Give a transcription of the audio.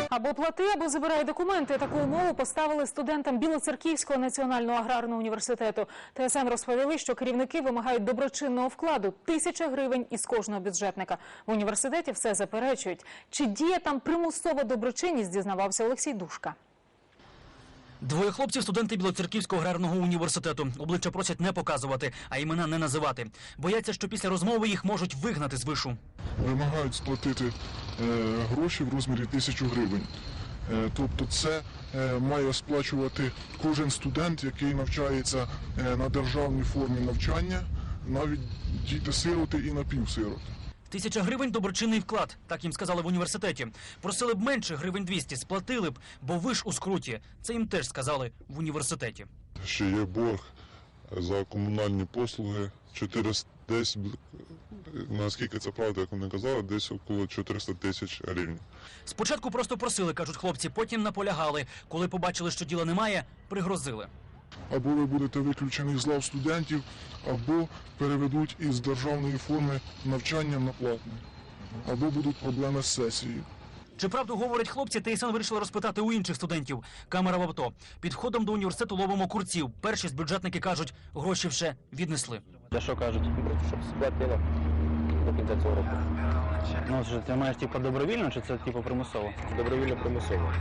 Або плати, або забирай документи. Таку умову поставили студентам Білоцерківського національного аграрного університету. ТСН розповіли, що керівники вимагають доброчинного вкладу – 1000 гривень із кожного бюджетника. В університеті все заперечують. Чи діє там примусова доброчинність, дізнавався Олексій Душка. Двоє хлопців – студенти Білоцерківського аграрного університету. Обличчя просять не показувати, а імена не називати. Бояться, що після розмови їх можуть вигнати з вишу. Вимагають сплатити гроші в розмірі 1000 гривень. Тобто це має сплачувати кожен студент, який навчається на державній формі навчання, навіть діти-сироти і напівсироти. 1000 гривень – доброчинний вклад, так їм сказали в університеті. Просили б менше, гривень 200, сплатили б, бо ви ж у скруті. Це їм теж сказали в університеті. Ще є борг за комунальні послуги, десь, наскільки це правда, як вони казали, десь около 400 тисяч гривень. Спочатку просто просили, кажуть хлопці, потім наполягали. Коли побачили, що діла немає, пригрозили. Або ви будете виключені з лав студентів, або переведуть із державної форми навчання на платне, або будуть проблеми з сесією. Чи правду говорять хлопці, ТСН вирішили розпитати у інших студентів. Камера в авто. Під входом до університету ловимо курців. Перші з бюджетники кажуть, гроші вже віднесли. Та що кажуть? Щоб сплатили до кінця цього року. Ну, ти маєш типу добровільно чи це типу примусово? Добровільно примусово.